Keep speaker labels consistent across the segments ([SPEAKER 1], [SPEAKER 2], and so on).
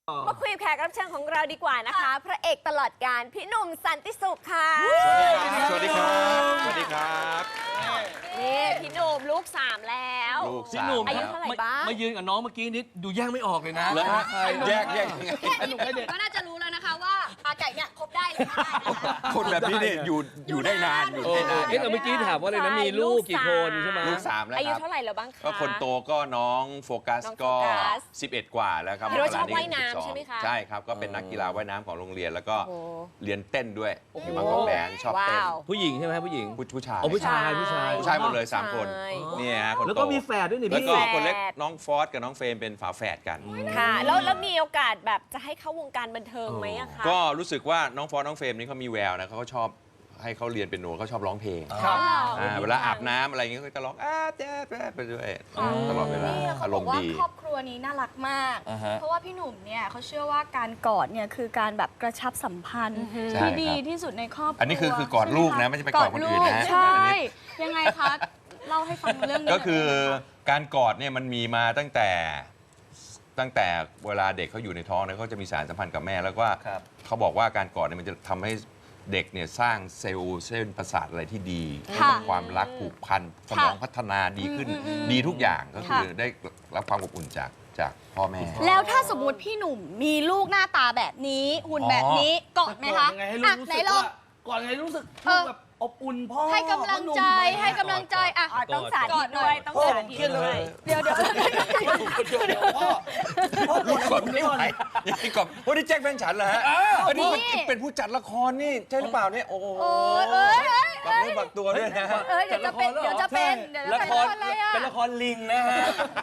[SPEAKER 1] มาคุยกับแขกรับเชิญของเราดีกว่านะคะพระเอกตลอดกาลพี่หนุ่มสันติสุขค่ะ
[SPEAKER 2] สวัสดีครับสวัสดีครับ
[SPEAKER 1] นี่พี่หนุ่มลูก3แล้ว
[SPEAKER 2] ลูก
[SPEAKER 3] พี่หนุ่ม
[SPEAKER 1] อายุเท่าไหร่บ้าง
[SPEAKER 3] มายืนกับน้องเมื่อกี้นิดดูแยกไม่ออกเลยนะ
[SPEAKER 2] แยกยังไง
[SPEAKER 4] ก็น่าจะรู้แล้วนะคะว่าอาไก่เนี่ยคบได้หรือไม่ได้นะคะ
[SPEAKER 2] คนแบบนี้เนี่ยอยู่ได้นานอยู่ได้นาน
[SPEAKER 3] เมื่อกี้ถามว่าอะไรนะมีลูกกี่คนใช่ไหม
[SPEAKER 2] ลูก3แล้วครับ
[SPEAKER 1] อายุเท่าไหร่แล้วบ้างคะ
[SPEAKER 2] ก็คนโตก็น้องโฟกัสก็11 กว่าแล้วครับ
[SPEAKER 1] พี่ชอบว่ายน้ำใช่ไหมคะ
[SPEAKER 2] ใช่ครับก็เป็นนักกีฬาว่ายน้ำของโรงเรียนแล้วก็เรียนเต้นด้วยอยู่บางกอกแดนชอบเต้น
[SPEAKER 3] ผู้หญิงใช่ไหมผู้หญิง
[SPEAKER 2] ผู้ชาย
[SPEAKER 3] ผู้ชาย
[SPEAKER 2] หมดเลย3คนเนี่ยฮะคนโต
[SPEAKER 3] แล้วก็มีแฝดด้วยนี่
[SPEAKER 2] แล้วก็คนเล็กน้องฟอสกับน้องเฟรมเป็นฝาแฝดกัน
[SPEAKER 1] ค่ะแล้วมีโอกาสแบบจะให้เข้าวงการบันเทิงไหมอะคะ
[SPEAKER 2] ก็รู้สึกว่าน้องฟอสน้องเฟรมนี่เขามีแววนะเขาก็ชอบให้เขาเรียนเป็นโนเขาชอบร้องเพลงเวลาอาบน้ำอะไรอย่างเงี้ยก็จะร้องแจ๊ดไปด้วยตลอดเวลาอารมณ์ดี
[SPEAKER 4] ครอบครัวนี้น่ารักมากเพราะว่าพี่หนุ่มเนี่ยเขาเชื่อว่าการกอดเนี่ยคือการแบบกระชับสัมพันธ์ที่ดีที่สุดในครอบครัว
[SPEAKER 2] อันนี้คือกอดลูกนะไม่ใช่ไปกอดคนอื่นนะ
[SPEAKER 4] ใช่ยังไงคะเล่าให้ฟังเรื่องนี้
[SPEAKER 2] ก็คือการกอดเนี่ยมันมีมาตั้งแต่เวลาเด็กเขาอยู่ในท้องเนี่ยเขาจะมีสารสัมพันธ์กับแม่แล้วก็เขาบอกว่าการกอดเนี่ยมันจะทำให้เด็กเนี่ยสร้างเซลล์เส้นประสาทอะไรที่ดีความรักผูกพันสมองพัฒนาดีขึ้นดีทุกอย่างก็คือได้รับความอบอุ่นจากพ่อแม่
[SPEAKER 4] แล้วถ้าสมมติพี่หนุ่มมีลูกหน้าตาแบบนี้หุ่นแบบนี้กอดไหมคะ
[SPEAKER 5] ไหนลองก่อนไงรู้สึกแบบอบอุ่นพ่อ
[SPEAKER 4] ให้กำลังใจอ่ะ
[SPEAKER 1] ต้องสาธิตด้วยต้องสาธิตด้วย
[SPEAKER 4] เดี๋ยว
[SPEAKER 5] พ่อ
[SPEAKER 2] ลูกกอดไม่ไหวนี่กอดโอ้นี่แจ็คแฟนฉันเหรอฮะอันนี้เป็นผู้จัดละครนี่ใช่หรือเปล่าเนี่ยโอ้โหบักตัวด้วยนะ
[SPEAKER 4] เดี๋ยวจะเป็น
[SPEAKER 3] ละครเป็นละครลิงนะฮะ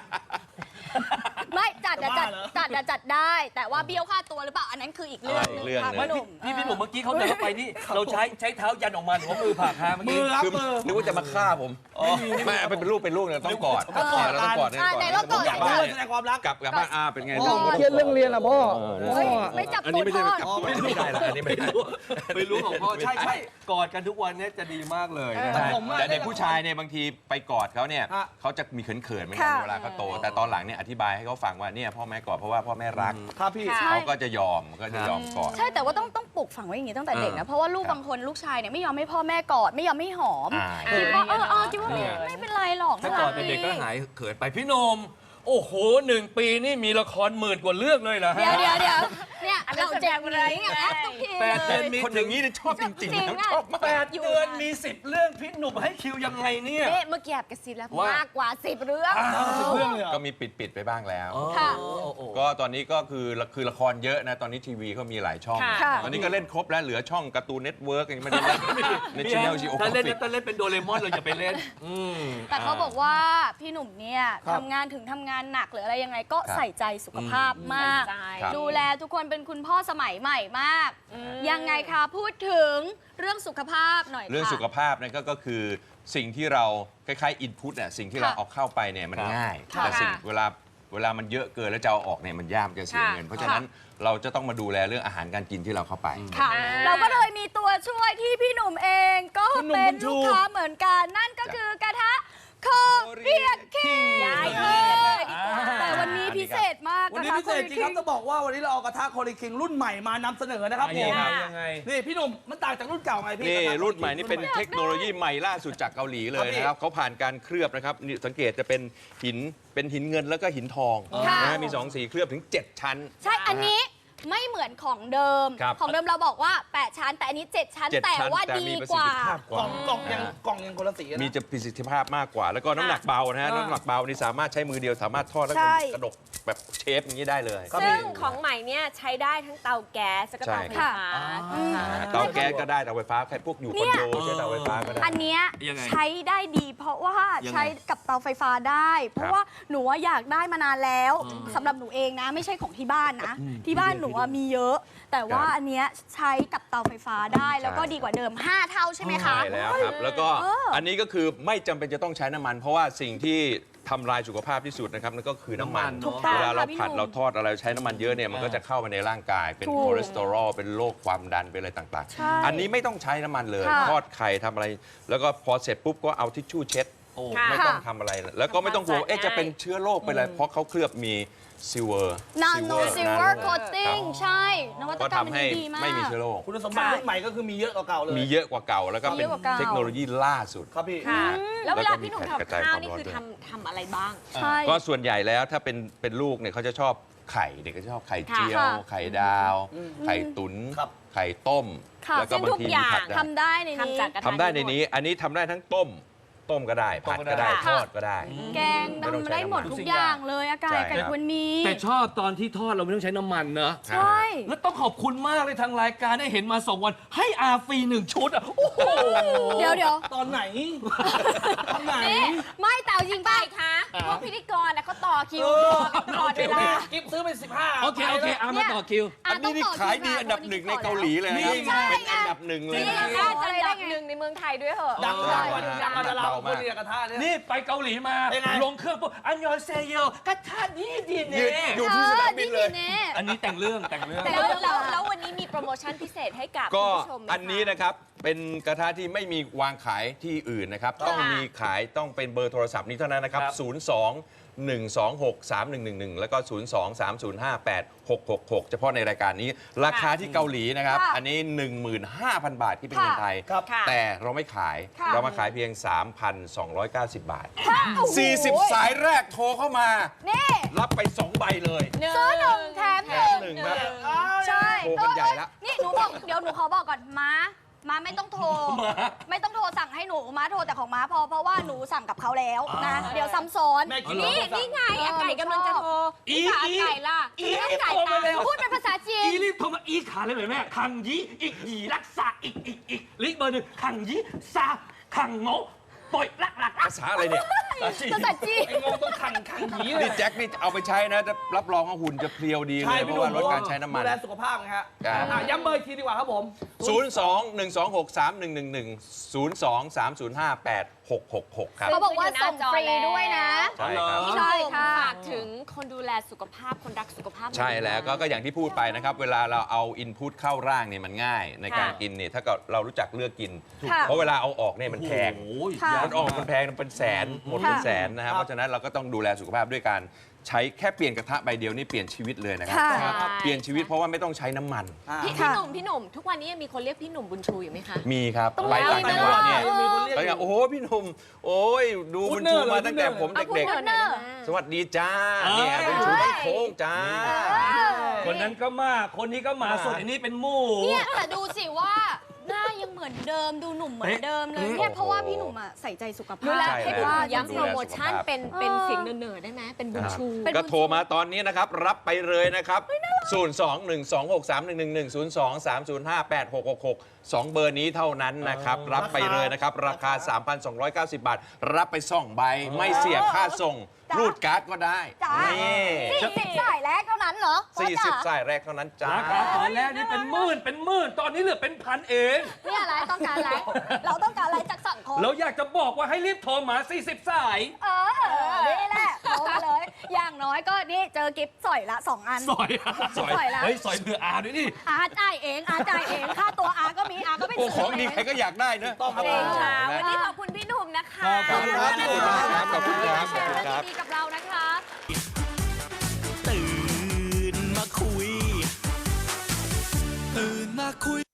[SPEAKER 4] ไม่จัดได้แต่ว่าเบี้ยวค่าตัวหรือเปล่าอันนั้นคืออีกเรื่องนึงค่ะพี่หนุ่ม
[SPEAKER 3] พี่หนุ่มเมื่อกี้เขาเดินเข้าไปนี่เราใช้เท้ายันออกมาหรือว่ามือผลักฮะเมื่อกี้
[SPEAKER 2] นึกว่าจะมาฆ่าผมไม่เป็นลูกเนี่ยต้องกอดเราต้องกอดเนี่ย
[SPEAKER 4] ก่อน
[SPEAKER 5] อยากบ้านแสดงความรัก
[SPEAKER 2] กลับบ้านเป็นไง
[SPEAKER 5] เครียดเรื่องเรียนล่ะพ่อ
[SPEAKER 4] ไม่จับตัวพ่อ
[SPEAKER 2] ไม่ได้ละอันนี้
[SPEAKER 3] ไม่รู้ของพ่อใช่กอดกันทุกวันนี้จะดีมากเลย
[SPEAKER 2] แต่เด็กผู้ชายเนี่ยบางทีไปกอดเขาเนี่ยเขาจะมีเขินๆเหมือนกันเวลาเขาโตแต่ตอนหลังเนี่ยอธิบายให้เขาฟังว่าเนี่ยพ่อแม่กอดเพราะว่าพ่อแม่รักเขาก็จะยอมกอด
[SPEAKER 4] ใช่แต่ว่าต้องปลูกฝังไว้อย่างนี้ตั้งแต่เด็กนะเพราะว่าลูกบางคนลูกชายเนี่ยไม่ยอมให้พ่อแม่กอดไม่ยอมให้หอมคิดว่าคิดว่าไม่เป็นไรหรอก
[SPEAKER 3] ถ้ากอดเป็นเด็กก็หายเขินไปพี่นมโอ้โห1 ปีนี่มีละคร10,000 กว่าเรื่องเลยเหรอฮะ
[SPEAKER 4] เดี๋ยวเนี่ยเราแจกอะไรเนี่ยทุกที
[SPEAKER 3] 8 เดือนมี
[SPEAKER 2] คนอย่างนี้ชอบจริงๆชอบมาก
[SPEAKER 3] 8 เดือนมี10 เรื่องพี่หนุ่มให้คิวยังไงเนี่ย
[SPEAKER 1] เมื่อกี้แอบกระซิบแล้วมากกว่า10 เรื่อง
[SPEAKER 2] ก็มีปิดไปบ้างแล้วก็ตอนนี้ก็คือละครเยอะนะตอนนี้ทีวีเขามีหลายช่องตอนนี้ก็เล่นครบแล้วเหลือช่องการ์ตูนเน็ตเวิร์กยังไม่ได้เล่นในช่องจีโอ
[SPEAKER 3] ถ้าเล่นเป็นโดเรมอนเราจะไปเล่น
[SPEAKER 4] แต่เขาบอกว่าพี่หนุ่มเนี่ยทำงานหนักหรืออะไรยังไงก็ใส่ใจสุขภาพมากดูแลทุกคนเป็นคุณพ่อสมัยใหม่มากยังไงคะพูดถึงเรื่องสุขภาพหน่อยค่ะ
[SPEAKER 2] เรื่องสุขภาพนั่นก็คือสิ่งที่เราคล้ายๆอินพุตเนี่ยสิ่งที่เราเอาเข้าไปเนี่ยมันง่ายแต่สิ่งเวลามันเยอะเกินแล้วจะเอาออกเนี่ยมันยากจะเสียเงินเพราะฉะนั้นเราจะต้องมาดูแลเรื่องอาหารการกินที่เราเข้าไป
[SPEAKER 4] เราก็เลยมีตัวช่วยที่พี่หนุ่มเองก็เป็นลูกค้าเหมือนกันนั่นก็คือกระทะโคเรียคิงแต่วันนี้พิเศษมาก
[SPEAKER 5] วันนี้พิเศษจริงครับจะบอกว่าวันนี้เราเอากระทะโคเรียคิงรุ่นใหม่มานำเสนอนะครับผมนี่พี่หนุ่มมันต่างจากรุ่นเก่าไงพี่
[SPEAKER 2] นี่รุ่นใหม่นี่เป็นเทคโนโลยีใหม่ล่าสุดจากเกาหลีเลยนะครับเขาผ่านการเคลือบนะครับนี่สังเกตจะเป็นหินเงินแล้วก็หินทองนะมี2 สีเคลือบถึง7 ชั้น
[SPEAKER 4] ใช่อันนี้ไม่เหมือนของเดิมเราบอกว่า8 ชั้นแต่อันนี้7 ชั้นแต่ว่าดีกว่าก
[SPEAKER 5] ล่องยังคนละสี
[SPEAKER 2] มีจะประสิทธิภาพมากกว่าแล้วก็น้ำหนักเบานะฮะน้ำหนักเบานี่สามารถใช้มือเดียวสามารถทอดแล้วกระดกแบบเชฟอย่างนี้ได้เลย
[SPEAKER 1] ซึ่งของใหม่เนี่ยใช้ได้ทั้งเตาแก๊สและก็เตาไฟฟ้า
[SPEAKER 2] เตาแก๊สก็ได้เตาไฟฟ้าใครพวกอยู่คอนโดใช้เตาไฟฟ้าก็ได้
[SPEAKER 4] อันนี้ใช้ได้ดีเพราะว่าใช้กับเตาไฟฟ้าได้เพราะว่าหนูอยากได้มานานแล้วสำหรับหนูเองนะไม่ใช่ของที่บ้านนะที่บ้านหนูมีเยอะแต่ว่าอันเนี้ยใช้กับเตาไฟฟ้าได้แล้วก็ดีกว่าเดิม5 เท่าใช่ไหมคะ
[SPEAKER 2] ใช่แล้วครับแล้วก็อันนี้ก็คือไม่จำเป็นจะต้องใช้น้ำมันเพราะว่าสิ่งที่ทำลายสุขภาพที่สุดนะครับนั่นก็คือน้ำมันเวลาเราผัดเราทอดอะไรใช้น้ำมันเยอะเนี่ยมันก็จะเข้ามาในร่างกายเป็นคอเลสเตอรอลเป็นโรคความดันเป็นอะไรต่างๆอันนี้ไม่ต้องใช้น้ำมันเลยทอดไข่ทำอะไรแล้วก็พอเสร็จปุ๊บก็เอาทิชชู่เช็ด
[SPEAKER 3] โอ้
[SPEAKER 1] ค่ะ
[SPEAKER 2] ไม่ต้องทำอะไร แล้วก็ไม่ต้องกลัวว่า
[SPEAKER 1] ทำความสะอาด
[SPEAKER 2] จะเป็นเชื้อโรคไปเลยเพราะเขาเคลือบมีซิลเวอร์
[SPEAKER 4] Nano Silver Coating ใช่ นวัต
[SPEAKER 2] ก็
[SPEAKER 4] กรรม
[SPEAKER 2] ทำ
[SPEAKER 4] มัน
[SPEAKER 2] ให้
[SPEAKER 4] ดีมาก
[SPEAKER 2] ไม่มีเชื้อโรค
[SPEAKER 5] คุณสมบัติรุ่นใหม่ก็คือมีเยอะกว่าเก่าเลย
[SPEAKER 2] มีเยอะกว่าเก่าแล้วก็เป็น
[SPEAKER 4] มีเยอะกว่าเก่า
[SPEAKER 2] เทคโนโลยีล่าสุด
[SPEAKER 5] ครับพี่
[SPEAKER 1] ค่ะ แล้วเวลาพี่หนุ่ม
[SPEAKER 2] แล้วก็มีแผ่นกระจาย
[SPEAKER 1] ทำข้าว
[SPEAKER 2] ความ
[SPEAKER 1] นี่
[SPEAKER 2] ร้อน
[SPEAKER 1] คือ
[SPEAKER 2] ด้วย
[SPEAKER 1] ทำอะไรบ้าง
[SPEAKER 4] ใช่
[SPEAKER 2] ก็ส่วนใหญ่แล้วถ้าเป็นลูกเนี่ยเขาจะชอบไข่เด็กก็จะชอบไข่เจียว
[SPEAKER 4] ค่ะ
[SPEAKER 2] ไข่ดาว ไข่ตุ๋น
[SPEAKER 5] ครับ
[SPEAKER 2] ไข่ต้ม
[SPEAKER 4] ค่ะ
[SPEAKER 2] แล้วก็บางที
[SPEAKER 1] ซึ่งทุกอย่า
[SPEAKER 2] มี
[SPEAKER 1] ง
[SPEAKER 2] ผัดได้
[SPEAKER 4] ทำได้ในนี้
[SPEAKER 1] ทำจากกระทะ
[SPEAKER 2] ทำได้ในนี้ อันนี้ทำได้ทั้งต้มก็ได้ ผัดก็ได้
[SPEAKER 1] ค่ะ
[SPEAKER 2] ทอดก็ได้
[SPEAKER 4] แกง
[SPEAKER 2] ไม่ต้อง
[SPEAKER 4] ทำ
[SPEAKER 2] ใช้
[SPEAKER 4] ได้หมด
[SPEAKER 2] น้ำมัน
[SPEAKER 4] ทุกอย่างเลยอากาศ
[SPEAKER 2] ใช่
[SPEAKER 4] ไก่
[SPEAKER 2] ครับ
[SPEAKER 4] ควรมี
[SPEAKER 3] แต่ชอบตอนที่ทอดเราไม่ต้องใช้น้ำมันเนอะ
[SPEAKER 4] ใช่
[SPEAKER 3] แล้วต้องขอบคุณมากเลยทางรายการได้เห็นมา 2 วันให้อาฟรี1 ชุดอ่ะ โอ้โห
[SPEAKER 4] เดี๋ยว
[SPEAKER 5] ตอนไหน ตอนไหน
[SPEAKER 4] ไม่แต่เอาจริง
[SPEAKER 1] ไป
[SPEAKER 4] ป่ะ
[SPEAKER 1] คะพวกพิธีกรน่ะเขาต่อคิวตลอดเวลา
[SPEAKER 5] กิฟซื้อไป15
[SPEAKER 3] โอเคอามาต่อคิว
[SPEAKER 2] อันนี้นี่ขายดีอันดับหนึ่งในเกาหลีเลยนะครับ
[SPEAKER 5] นี่ไง
[SPEAKER 2] เป็นอันดับหนึ่งเลย
[SPEAKER 1] นี่
[SPEAKER 2] นะ
[SPEAKER 1] น่าจะอันดับหนึ่งในเมืองไทยด้วยเหอะ
[SPEAKER 5] ดัง
[SPEAKER 2] ใช่
[SPEAKER 5] กว่าดังกว่าดาราคนเดียวกระทะเนี่ย
[SPEAKER 3] นี่ไปเกาหลีมา
[SPEAKER 5] เป็นไง
[SPEAKER 3] ลงเครื่องปุ๊บอันยอนเซโยกระทะนี่ดี
[SPEAKER 2] ยื
[SPEAKER 3] เน่
[SPEAKER 2] นอยู่ที่สนามบินเลย
[SPEAKER 3] อันนี้แต่งเรื่อง
[SPEAKER 1] แล้ววันนี้มีโปรโมชั่นพิเศษให้กับ
[SPEAKER 2] ก็
[SPEAKER 1] คุณผู้ชมไหมคะ
[SPEAKER 2] อันนี้นะครับเป็นกระทะที่ไม่มีวางขายที่อื่นนะครับ ต้องมีขายต้องเป็นเบอร์โทรศัพท์นี้เท่านั้นนะครับ 02-126-3111 แล้วก็ 02-305-8666 เฉพาะในรายการนี้ ราคาที่เกาหลีนะครับ
[SPEAKER 4] ค่ะ
[SPEAKER 2] อันนี้ 15,000 บาทที่เป็นเงินไทย
[SPEAKER 5] ครับ
[SPEAKER 1] ค่ะ
[SPEAKER 2] แต่เราไม่ขาย
[SPEAKER 4] ค่ะ
[SPEAKER 2] เรามาขายเพียง 3,290 บาท
[SPEAKER 4] โอ้โห
[SPEAKER 2] 40 สายแรกโทรเข้ามา
[SPEAKER 4] นี่
[SPEAKER 2] รับไป 2 ใบเลย
[SPEAKER 4] ซื้อหนึ่งแถมหนึ่ง
[SPEAKER 2] แถมหนึ่งครับ
[SPEAKER 4] ใช่
[SPEAKER 2] โทรกันใหญ่ละ
[SPEAKER 4] นี่หนูบอกเดี๋ยวหนูขอบอกก่อนม้าไม่ต้องโทร ไม่ต้องโทรสั่งให้หนูม้าโทรแต่ของม้าพอเพราะว่าหนูสั่งกับเขาแล้วนะ เดี๋ยวซ้ำซ้อน
[SPEAKER 5] แม่กิน
[SPEAKER 1] นี่ไงอาไก่กำลังจะโทรพี่สาวอาไก่ล่ะ
[SPEAKER 3] อี
[SPEAKER 1] ไม่ต้องจ่าย
[SPEAKER 3] โทร
[SPEAKER 1] ตั
[SPEAKER 3] มาง แล้ว
[SPEAKER 1] ค์
[SPEAKER 4] พูดเป็นภาษาจีน
[SPEAKER 3] อีรีบโทรมาอีขาเลยเหรอแม่ขังยีอีกยีรักษาอีกลิกเบอร์หนึ่งขังยีซาขังโง่ปล่อยลัก
[SPEAKER 2] ภาษาอะไรเนี่ย
[SPEAKER 4] ภาษาจีน
[SPEAKER 5] ไอ้งงต้องขังหนีเลย
[SPEAKER 2] นี่แจ็คนี่เอาไปใช้นะจะรับรองว่าหุ่นจะเพรียวดีเลยเพราะว่าลดการใช้น้ำมัน
[SPEAKER 5] ดูแลสุขภาพนะฮะ
[SPEAKER 2] ครับ
[SPEAKER 5] ย้ำเบอร์อีกทีดีกว่าครับผม
[SPEAKER 2] 02-126-3111 02-305-8666 ครับ
[SPEAKER 4] เขาบอกว่าส่งฟรีด้วยนะ
[SPEAKER 2] ใช่ครับ
[SPEAKER 1] พี่
[SPEAKER 4] ใช่
[SPEAKER 1] หนุ่ม
[SPEAKER 4] ค่ะ
[SPEAKER 1] ฝากถึงคนดูแลสุขภาพคนรักสุขภาพ
[SPEAKER 2] ใช่แล้วก็อย่างที่พูดไปนะครับ เวลาเราเอาอินพุตเข้าร่างเนี่ยมันง่ายในการกินเนี่ยถ้าเกิดเรารู้จักเลือกกิน
[SPEAKER 4] ค่ะ
[SPEAKER 2] เพราะเวลาเอาออกเนี่ยมันแพง
[SPEAKER 4] ค่ะ
[SPEAKER 2] มันออกมันแพงมันเป็นแสนหมดเป็นแสนนะครับ เพราะฉะนั้นเราก็ต้องดูแลสุขภาพด้วยการใช้แค่เปลี่ยนกระทะใบเดียวนี่เปลี่ยนชีวิตเลยนะครับ
[SPEAKER 4] ค่ะ
[SPEAKER 2] เปลี่ยนชีวิตเพราะว่าไม่ต้องใช้น้ำมัน
[SPEAKER 1] พี่หนุ่มทุกวันนี้ยังมีคนเรียกพี่หนุ่มบุญชูอยู่ไหมคะ
[SPEAKER 2] มีครับ
[SPEAKER 4] ต้อง
[SPEAKER 2] ไปต่างจังหวัดเนี่ย
[SPEAKER 5] มีคนเรียก
[SPEAKER 2] ไปกันโอ้โหพี่หนุ่มโอ้ยดูบุญชูมาตั้งแต่ผมเด็ก ๆ สวัสดีจ้าเนี่ยบุญชูบ้านโค้งจ้า
[SPEAKER 3] คนนั้นก็มาคนนี้ก็มาส่วนอันนี้เป็นหมู่
[SPEAKER 4] เนี่ยแต่ดูสิว่าหน้ายังเหมือนเดิมดูหนุ่มเหมือนเดิมเลยเนี่ยเพราะว่าพี่หนุ่มอะใส่ใจสุขภา
[SPEAKER 1] ดู
[SPEAKER 4] พ
[SPEAKER 1] แล
[SPEAKER 2] ใช่
[SPEAKER 1] ให้
[SPEAKER 2] แล้ว
[SPEAKER 1] ย้ำโปรโมชั่น
[SPEAKER 2] ดูแลสุขภาพ
[SPEAKER 1] เป็นเสียงเนิร์ดๆได้ไหมเป็นบุญชู
[SPEAKER 4] เป็น
[SPEAKER 2] ก็โทรมาตอนนี้นะครับ รับไปเลยนะครับ 02-126-3111 02-305-8666 2 เบอร์นี้เท่านั้นนะครับ รับไปเลยนะครับ ราคา 3,290 บาท รับไป 2 ใบ ไม่เสียค่าส่ง รูดการ์ดก็ได้
[SPEAKER 4] จ้า
[SPEAKER 2] นี่
[SPEAKER 4] 40สายแรกเท่านั้นเหรอพ่อจ๋า
[SPEAKER 2] 40 สายแรกเท่านั้นจ้า
[SPEAKER 3] ราคาตอนแรกนี่เป็นหมื่นตอนนี้เหลือเป็นพันเอง
[SPEAKER 4] เนี่ยอะไรต้องการอะไร เราต้องการอะไรจากสังคม
[SPEAKER 3] แล้วอยากจะบอกว่าให้รีบโทรมา 40 สาย
[SPEAKER 4] นี่แหละโทรมาเลย อย่างน้อยก็นี่เจอกิฟต์สอยละ 2 อัน
[SPEAKER 3] สอย
[SPEAKER 4] สอยละ
[SPEAKER 3] เฮ้ยสอยเบื่ออาด้วยนี่
[SPEAKER 4] อาจ่ายเองค่าตัวอาก็มีอาก็ไป
[SPEAKER 2] โอ้
[SPEAKER 4] ซื้
[SPEAKER 2] ของดีใครก็อยากได้เนอะ
[SPEAKER 5] ต้องครับ
[SPEAKER 1] เองค่ะ
[SPEAKER 2] นะ
[SPEAKER 1] วันนี้ขอบคุณพี่หนุ่มนะคะ
[SPEAKER 2] ขอบคุณครับพี่หนุ่มครับขอบคุณครับขอบคุณครับ
[SPEAKER 1] ดีๆกับเรานะคะ
[SPEAKER 6] ตื่นมาคุย ตื่นมาคุย